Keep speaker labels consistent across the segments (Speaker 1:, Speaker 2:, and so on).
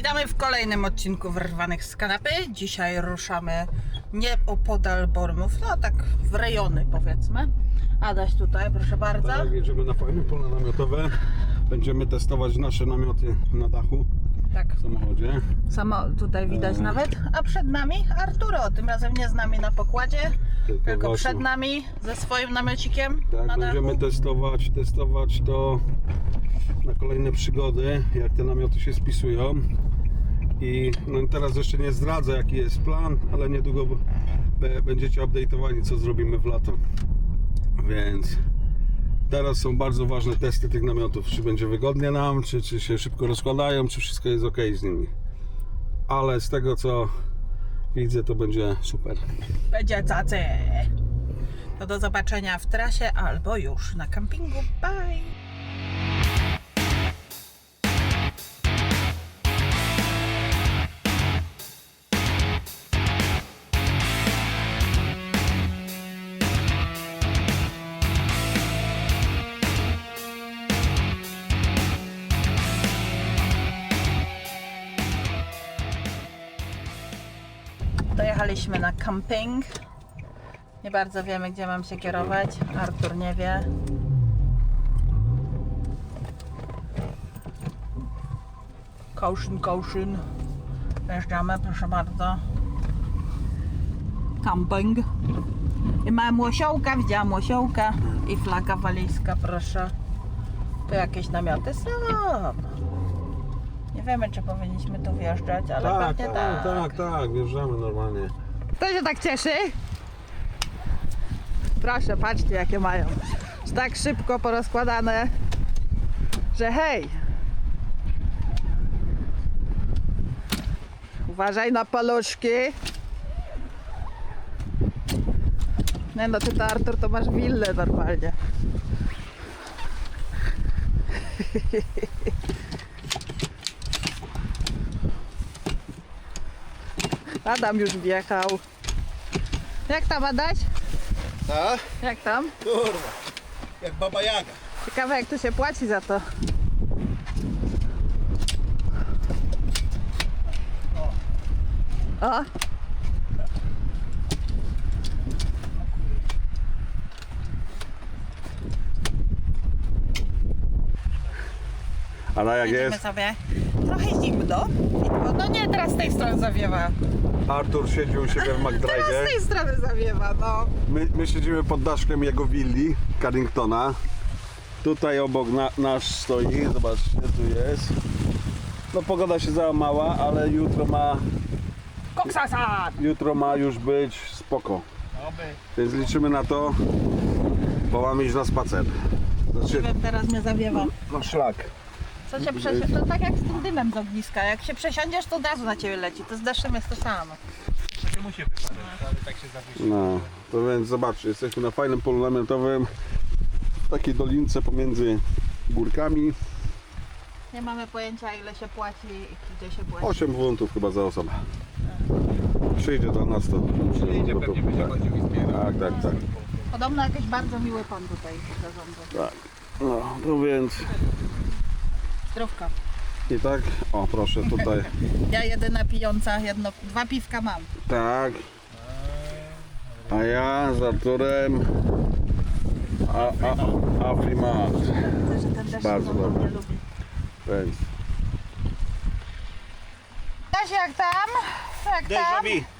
Speaker 1: Witamy w kolejnym odcinku Wyrwanych z kanapy. Dzisiaj ruszamy nie opodal Bormów, no tak w rejony powiedzmy. Adaś tutaj, proszę bardzo.
Speaker 2: Tak, jedziemy na fajne pole namiotowe. Będziemy testować nasze namioty na dachu
Speaker 1: Tak,
Speaker 2: w samochodzie.
Speaker 1: samo tutaj widać nawet. A przed nami Arturo, tym razem nie z nami na pokładzie, tylko
Speaker 2: Gosiu.
Speaker 1: przed nami ze swoim namiocikiem
Speaker 2: Tak,
Speaker 1: na
Speaker 2: będziemy
Speaker 1: dachu.
Speaker 2: testować to na kolejne przygody, jak te namioty się spisują. I no teraz jeszcze nie zdradzę, jaki jest plan, ale niedługo będziecie update'owani, co zrobimy w lato. Więc teraz są bardzo ważne testy tych namiotów, czy będzie wygodnie nam, czy się szybko rozkładają, czy wszystko jest ok z nimi. Ale z tego, co widzę, to będzie super.
Speaker 1: Będzie cacy. To do zobaczenia w trasie albo już na kampingu. Bye! Dojechaliśmy na camping. Nie bardzo wiemy, gdzie mam się kierować. Artur nie wie. Caution. Wjeżdżamy, proszę bardzo. Camping. I mamy łosiołka, widziałam łosiołka. I flaga walijska, proszę. Tu jakieś namioty są. Nie wiemy, czy powinniśmy tu wjeżdżać, ale pewnie
Speaker 2: tak, wjeżdżamy normalnie.
Speaker 1: Kto się tak cieszy? Proszę, patrzcie jakie mają. Tak szybko porozkładane, że hej! Uważaj na paluszki. Nie no, ty to Artur, to masz willę normalnie. Adam już wjechał. Jak tam, Adaś?
Speaker 2: Tak?
Speaker 1: Jak tam?
Speaker 2: Kurwa, jak Baba Jaga.
Speaker 1: Ciekawe jak tu się płaci za to. O!
Speaker 2: Ale jak
Speaker 1: Jedziemy
Speaker 2: jest?
Speaker 1: sobie. Trochę zimno. No nie, teraz z tej strony zawiewa.
Speaker 2: Artur siedzi u siebie w
Speaker 1: Teraz
Speaker 2: McDrive'ie.
Speaker 1: z tej strony zawiewa, no.
Speaker 2: My siedzimy pod daszkiem jego willi, Carringtona. Tutaj obok nasz stoi, zobaczcie, tu jest. No pogoda się załamała, ale jutro ma już być spoko. Więc liczymy na to, bo mamy iść na spacer. Znaczy,
Speaker 1: Teraz mnie zawiewa.
Speaker 2: no szlak.
Speaker 1: Co się to tak jak z tym dymem z ogniska. Jak się przesiądziesz, to od razu na ciebie leci. To z deszczem jest to samo.
Speaker 3: Nie musi wypadać, ale tak się zawiesi.
Speaker 2: No, to więc zobaczcie, jesteśmy na fajnym polu namiotowym, w takiej dolince pomiędzy górkami.
Speaker 1: Nie mamy pojęcia ile się płaci i gdzie się płaci.
Speaker 2: 8 funtów chyba za osobę. Przyjdzie do nas to.
Speaker 3: Przyjdzie, pewnie będzie chodził i zbierał.
Speaker 2: Tak.
Speaker 1: Podobno jakiś bardzo miły pan tutaj zarządza.
Speaker 2: Tak. No, to więc
Speaker 1: Zdrówka.
Speaker 2: i tak, o proszę tutaj,
Speaker 1: Ja jedyna pijąca, dwa piwka mam.
Speaker 2: tak. A ja z Arturem Afrimat.
Speaker 1: Widzę, że ten deszcz
Speaker 2: Bardzo
Speaker 1: znowu
Speaker 2: dobry.
Speaker 1: nie lubi.
Speaker 2: Więc
Speaker 1: Kasia, jak tam? Jak tam?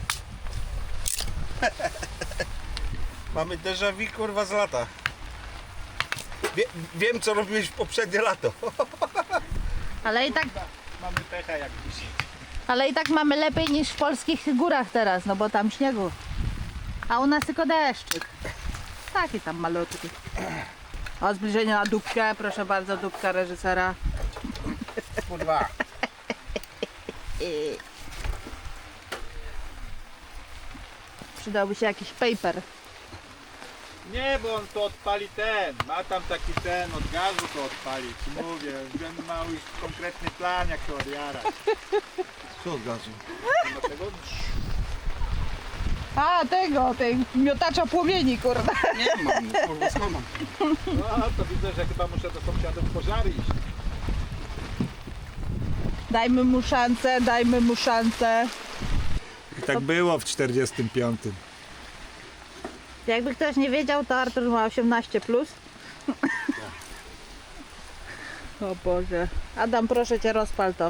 Speaker 4: Mamy déjà vu, kurwa, z lata. Wiem, co robiłeś w poprzednie lato.
Speaker 3: Mamy pecha jak dzisiaj.
Speaker 1: Ale i tak mamy lepiej niż w polskich górach teraz, no bo tam śniegu. A u nas tylko deszczyk. Taki tam malutki. O, zbliżenie na dupkę, proszę bardzo, dupka reżysera.
Speaker 3: Kurwa.
Speaker 1: Przydałby się jakiś paper.
Speaker 3: Nie, bo on to odpali ma tam taki od gazu to odpali, ci mówię, on ma już konkretny plan jak to odjarać.
Speaker 4: Co od gazu?
Speaker 3: Dlatego
Speaker 1: A, tej miotacza płomieni, kurde.
Speaker 4: Nie mam, kurwa, skąd mam?
Speaker 3: no to widzę, że chyba muszę do sąsiadów pożary iść.
Speaker 1: Dajmy mu szansę, dajmy mu szansę.
Speaker 3: I tak było w 45.
Speaker 1: Jakby ktoś nie wiedział, to Artur ma 18+. Plus. O Boże. Adam, proszę cię, rozpal to.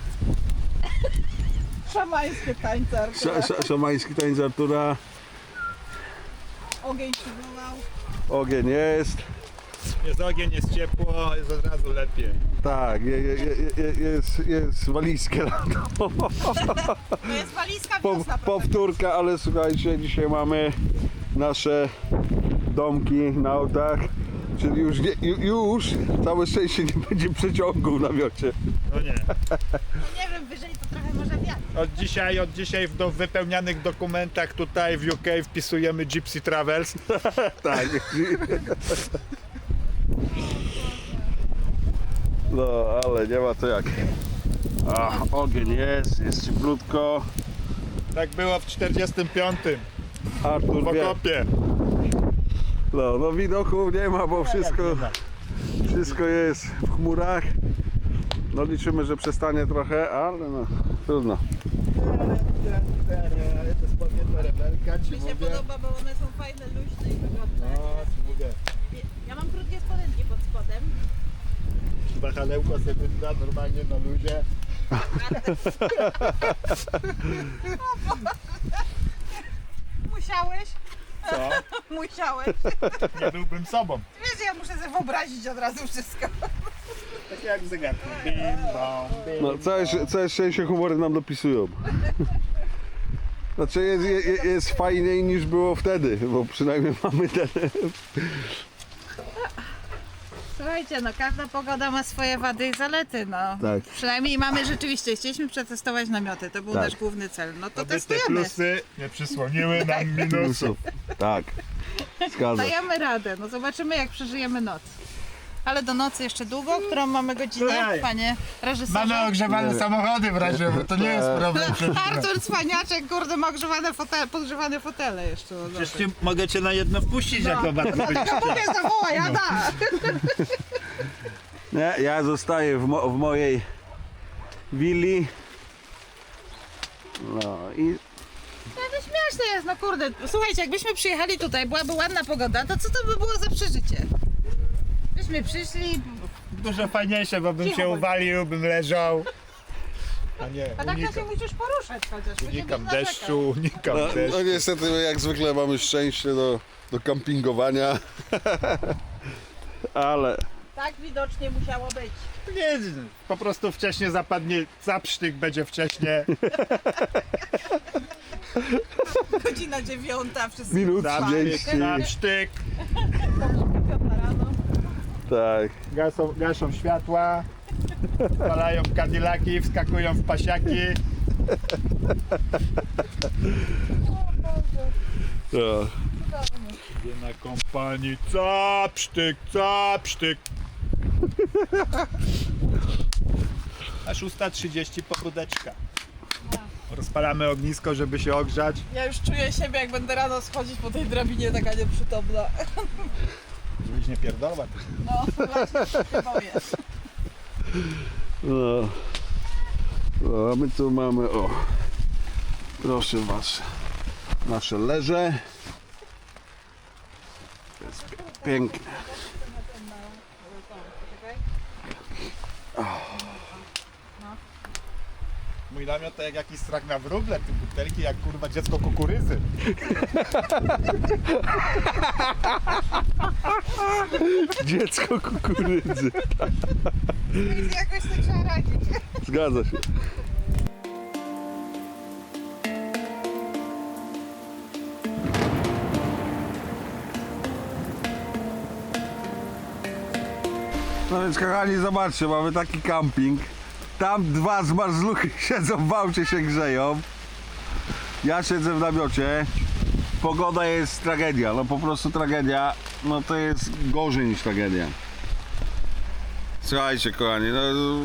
Speaker 1: Szamańskie tańce Artura.
Speaker 2: Szamański tańc Artura.
Speaker 1: Ogień przywołał.
Speaker 2: Ogień jest.
Speaker 3: Jest ogień, jest ciepło, jest od razu lepiej.
Speaker 2: Tak, jest walizka.
Speaker 1: To jest walizka wiosna,
Speaker 2: Powtórka, ale słuchajcie, dzisiaj mamy nasze domki na autach. Czyli już całe szczęście nie będzie przeciągu w namiocie.
Speaker 3: No nie.
Speaker 1: Nie wiem, wyżej to trochę może wiatr.
Speaker 3: Od dzisiaj w wypełnianych dokumentach tutaj w UK wpisujemy Gypsy Travels.
Speaker 2: Tak. No, ale nie ma to jak. Ogień jest cieplutko.
Speaker 3: Tak było w 45.
Speaker 2: Artur
Speaker 3: W
Speaker 2: wie.
Speaker 3: okopie.
Speaker 2: No widoków nie ma, bo wszystko jest w chmurach. No liczymy, że przestanie trochę, ale no trudno.
Speaker 3: To spodnie to rebelka, ci
Speaker 1: Mi się podoba, bo one są fajne, luźne i wygodne.
Speaker 3: ci mówię.
Speaker 1: Ja mam krótkie spodenki pod spodem.
Speaker 3: Wahalełko sobie da normalnie na luzie.
Speaker 1: Musiałeś?
Speaker 3: Co?
Speaker 1: Musiałeś.
Speaker 3: Nie byłbym sobą.
Speaker 1: Wiesz, ja muszę sobie wyobrazić od razu wszystko.
Speaker 3: Tak jak w zegarku. Bim, bam, bim,
Speaker 2: No, całe szczęście humory nam dopisują. Znaczy jest fajniej niż było wtedy, bo przynajmniej mamy ten.
Speaker 1: Słuchajcie, no każda pogoda ma swoje wady i zalety, no.
Speaker 2: Tak.
Speaker 1: Przynajmniej mamy rzeczywiście, chcieliśmy przetestować namioty, to był
Speaker 2: Tak.
Speaker 1: nasz główny cel. No to
Speaker 3: Aby te
Speaker 1: testujemy.
Speaker 3: plusy nie przysłoniły nam minusów.
Speaker 2: Tak. Zgadza się.
Speaker 1: Dajemy radę, no zobaczymy jak przeżyjemy noc. Ale do nocy jeszcze długo, którą mamy godzinę,
Speaker 3: Słuchaj,
Speaker 1: panie reżyserze?
Speaker 3: Mamy ogrzewane
Speaker 2: Nie.
Speaker 3: samochody w razie, bo to nie jest problem.
Speaker 1: Artur Cwaniaczek, kurde, ma podgrzewane fotele jeszcze. No,
Speaker 3: Przecież mogę cię na jedno wpuścić jako batkę.
Speaker 1: mówię, zawołaj, Ada!
Speaker 2: Nie, ja zostaję w mojej willi. No i
Speaker 1: No to śmieszne jest, no kurde. Słuchajcie, jakbyśmy przyjechali tutaj, byłaby ładna pogoda, to co to by było za przeżycie? Byśmy przyszli,
Speaker 3: Dużo fajniejsze, bo bym
Speaker 1: Cicho
Speaker 3: się
Speaker 1: bądź.
Speaker 3: uwalił, bym leżał. A nie,
Speaker 1: a tak to się
Speaker 3: unikam.
Speaker 1: musisz poruszać chociaż. bo nie
Speaker 3: Unikam
Speaker 1: będziesz
Speaker 3: deszczu, unikam
Speaker 2: no
Speaker 3: deszczu.
Speaker 2: niestety jak zwykle mamy szczęście do kampingowania. Ale
Speaker 1: narzekał. Tak widocznie musiało być.
Speaker 3: Nie, po prostu wcześniej zapadnie zapsztyk, będzie wcześniej.
Speaker 1: Godzina 9, wszyscy
Speaker 2: minut
Speaker 3: Zapsztyk,
Speaker 2: 30.
Speaker 3: zapsztyk.
Speaker 1: rano.
Speaker 2: Tak.
Speaker 3: Gaszą światła. Palają kadilaki, wskakują w pasiaki.
Speaker 2: No.
Speaker 3: Idzie na kompanii. Zapsztyk, zapsztyk. A 6:30 pobudeczka. Rozpalamy ognisko, żeby się ogrzać.
Speaker 1: Ja już czuję siebie, jak będę rano schodzić po tej drabinie, taka nieprzytomna.
Speaker 3: Żebyś nie pierdolła.
Speaker 1: No, właśnie się boję.
Speaker 2: No. No, a my tu mamy, o, proszę was, nasze leże. To jest piękne.
Speaker 3: Mój namiot to jak jakiś strach na wróble, te butelki jak kurwa dziecko kukurydzy.
Speaker 2: Dziecko kukurydzy.
Speaker 1: Jakoś tak trzeba radzić.
Speaker 2: Zgadza się. No więc kochani, zobaczcie, mamy taki camping. Tam dwa zmarzluchy siedzą w aucie, się grzeją. Ja siedzę w namiocie. Pogoda jest tragedia, no po prostu tragedia. No to jest gorzej niż tragedia. Słuchajcie kochani, no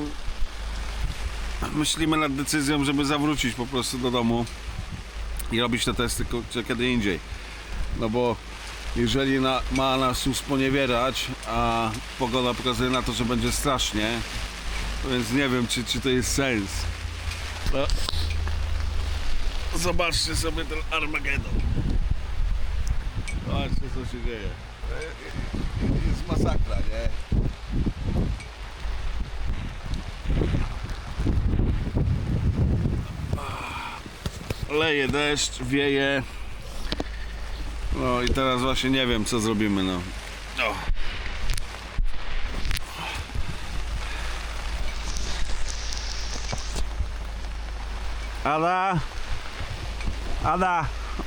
Speaker 2: myślimy nad decyzją, żeby zawrócić po prostu do domu i robić te testy kiedy indziej. No bo jeżeli ma nas usponiewierać, a pogoda pokazuje na to, że będzie strasznie, Więc nie wiem, czy to jest sens. No. Zobaczcie sobie ten Armagedon. Zobaczcie, co się dzieje. Jest masakra, nie? Leje deszcz, wieje. No i teraz właśnie nie wiem, co zrobimy, no. O. Ada! Ada!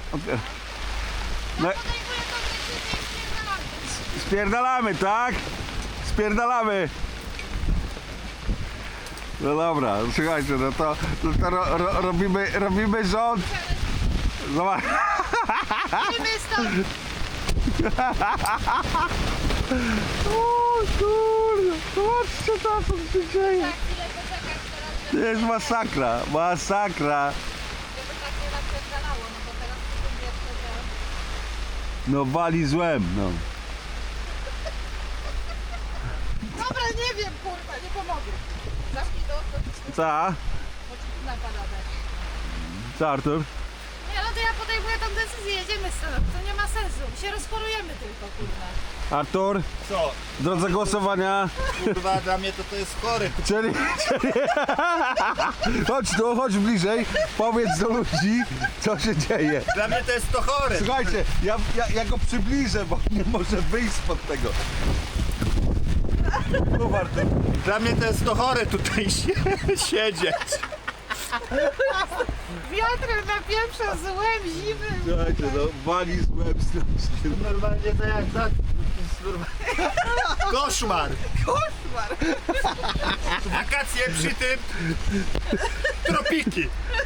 Speaker 2: No. Spierdalamy, tak? Spierdalamy! No dobra, słuchajcie, no to robimy rząd. Zobacz. O kurde, zobaczcie to, co się dzieje. To jest masakra, masakra. No wali złem, no.
Speaker 1: Dobra, nie wiem, kurwa, nie pomogę. Zamknij to,
Speaker 2: Co?
Speaker 1: bo ci napada deszcz.
Speaker 2: Co, Artur?
Speaker 1: Nie, no to ja podejmuję tą decyzję, jedziemy stąd, to nie ma sensu, my się rozchorujemy tylko, kurwa.
Speaker 2: Artur,
Speaker 4: Co?
Speaker 2: w drodze głosowania,
Speaker 4: Kurwa, dla mnie to jest chory.
Speaker 2: czyli... Chodź tu, chodź bliżej, powiedz do ludzi, co się dzieje.
Speaker 4: Dla mnie to jest to chory.
Speaker 2: Słuchajcie, ja go przybliżę, bo nie może wyjść spod tego. No Artur.
Speaker 4: Dla mnie to jest to chory tutaj siedzieć.
Speaker 1: Wiatrem na pierwsze złem zimy.
Speaker 2: Słuchajcie, no wali złem strasznie.
Speaker 4: Normalnie to jak tak. Koszmar.
Speaker 1: Koszmar.
Speaker 4: Wakacje przy tym. Tropiki.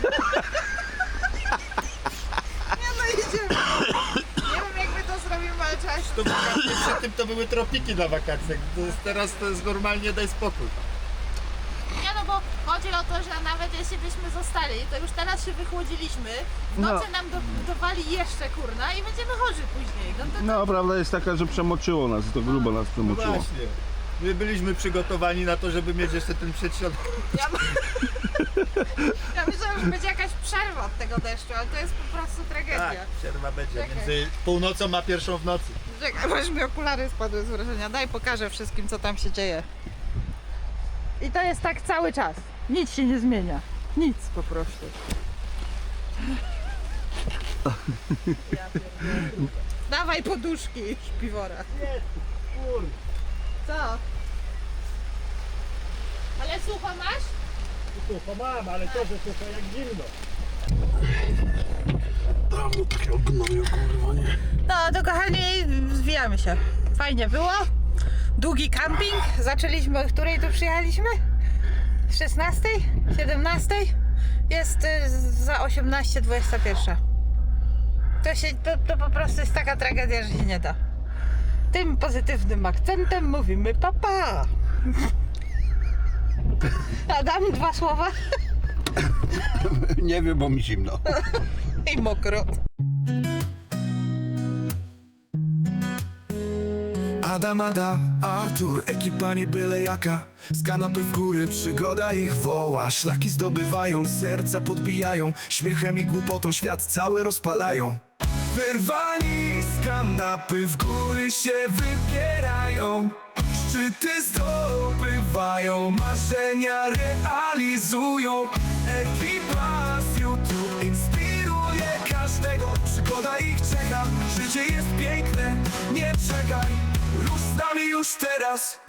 Speaker 1: Nie no, idziemy. Nie wiem, jak my to zrobimy, ale trzeba się...
Speaker 4: To wakacje przy tym to były tropiki na wakacjach. Teraz to jest normalnie, daj spokój.
Speaker 1: Nie no, bo chodzi o to, że nawet jeśli byśmy zostali, to już teraz się wychłodziliśmy, w nocy nam dowali jeszcze, kurna, i będziemy chorzy później. No to
Speaker 2: No, prawda jest taka, że przemoczyło nas, to grubo nas
Speaker 4: No
Speaker 2: przemoczyło.
Speaker 4: właśnie. My byliśmy przygotowani na to, żeby mieć jeszcze ten przedśrodek.
Speaker 1: ja myślę, że już będzie jakaś przerwa od tego deszczu, ale to jest po prostu tragedia.
Speaker 4: Tak, przerwa będzie
Speaker 1: Czekaj.
Speaker 4: między północą a pierwszą w nocy.
Speaker 1: Czekaj, bo już mi okulary spadły z wrażenia. Daj, pokażę wszystkim, co tam się dzieje. I to jest tak cały czas. Nic się nie zmienia. Nic po prostu. Dawaj poduszki, śpiwora. Co? Ale sucho masz?
Speaker 4: Sucho mam, ale to, że sucho jak zimno.
Speaker 2: Dawno takiego gnoju, kurwa, nie?
Speaker 1: No to kochani, zwijamy się. Fajnie było. Długi camping. Zaczęliśmy, o której tu przyjechaliśmy? 16? 17? Jest za 18:21. To po prostu jest taka tragedia, że się nie da. Tym pozytywnym akcentem mówimy papa. Adam, 2 słowa
Speaker 2: Nie wiem, bo mi zimno.
Speaker 1: i mokro.
Speaker 5: Adam, Artur, ekipa nie byle jaka. Z kanapy w góry, przygoda ich woła. Szlaki zdobywają, serca podbijają. Śmiechem i głupotą świat cały rozpalają. Wyrwani z kanapy w góry się wybierają. Szczyty zdobywają, marzenia realizują. Ekipa z YouTube inspiruje każdego. Przygoda ich czeka, życie jest piękne, nie czekaj. Rusz z nami już teraz.